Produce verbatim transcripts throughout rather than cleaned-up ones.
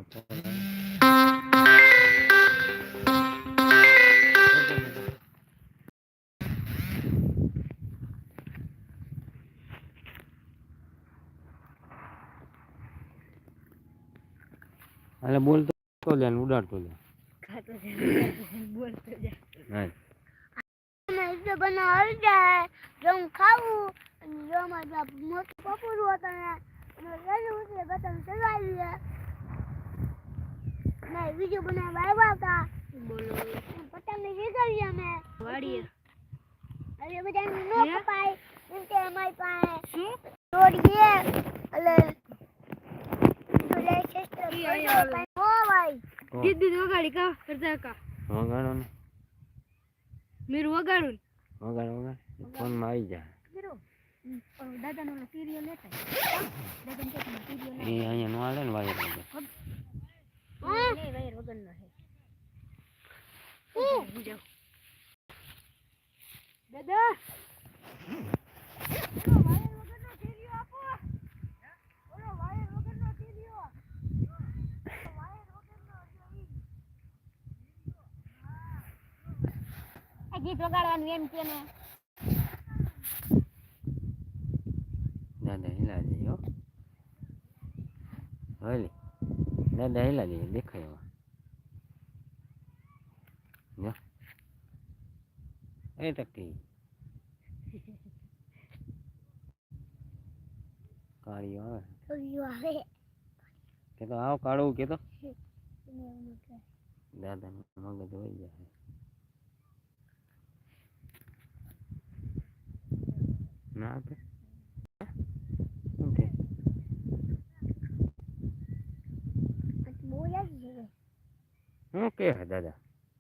अरे बोल तो ले उड़ा तो ले बोल तो जा नहीं मैं इसे बना आ जाए जो हम खाऊं जो हमारा मोट पपुर होता है मैं उसे बटन चला लिया मैं वीडियो बना वाला था बोलो पता नहीं कर लिया मैं वाड़ी अरे बेटा नो पाए इनके हमारे पाए शू तोड़िए अरे ले सिस्टर ओ भाई दीदी वगाड़ी का करता का वगाड़ो ने मेरू वगाड़ू वगाड़ वगाड़ फोन में आई जा गिरो दादा नो सीरियल लेता दादा के सीरियल ए અહીંયા નો આલે ને વાયર વગર नहीं वायर वगैरह ना है ओ जाओ दादा वायर वगैरह सीरियल आपो ओलो वायर वगैरह सीरियल वायर वगैरह જોઈ આ ગીત વગાડવાનું એમ કે ને દાદા હિલા દે હો હલી દાદા હિલા દે દેખાય જો એ ટકી કાળિયો આવે ઓયો આવે કે તો આવ કાળું કે તો દાદા મગજ હોઈ જાય ના આપે ઓકે બોલા જ ઓકે હે દાદા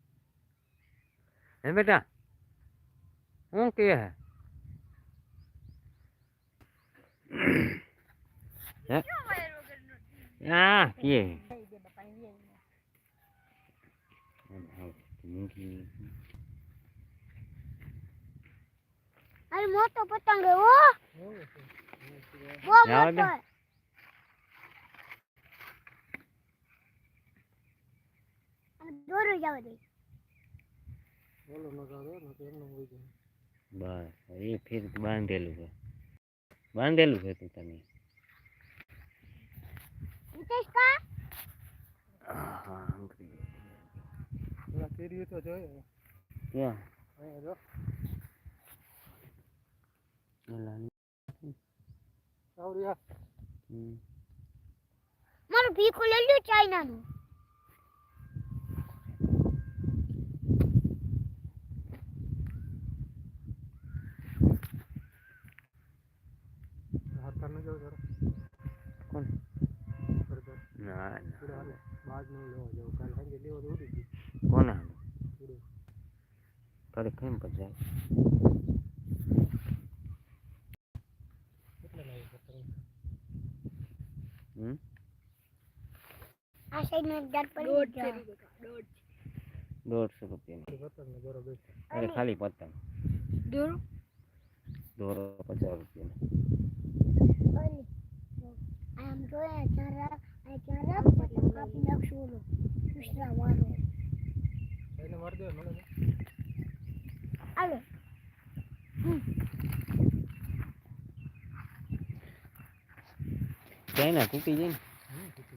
હે બેટા ઓકે હે હે આ કે अरे मोटो पतंग है वो वो मोटो है दोरो जावे दे बोलो न जावे न तो एमनो होई जाए बस ये फिर बांधेलू है बांधेलू है तू तने नितेश का हां पूरा केरी तो जो है क्या है जो लानी आवरिया हम्म मारो भीखो ले लो चाइना नो हाथ करने जाओ जरा कौन कर दो ना पूरा हाल बाद में लो जाओ कल हम ले वो दूर दी कौन है पूरे करे केम पर जाए कितना लाए पतंग हम्म आ साइड में डर पर डोड डोड डेढ़ सौ रुपये में पतंग में जोरो बेच अरे खाली पतंग दोरो दोरो पचास रुपये में ओली आई एम गोइंग चारा आई चारा काफी लक्ष्य लो दूसरा वालो એને માર દે મને आलो चाइना टूटी जाए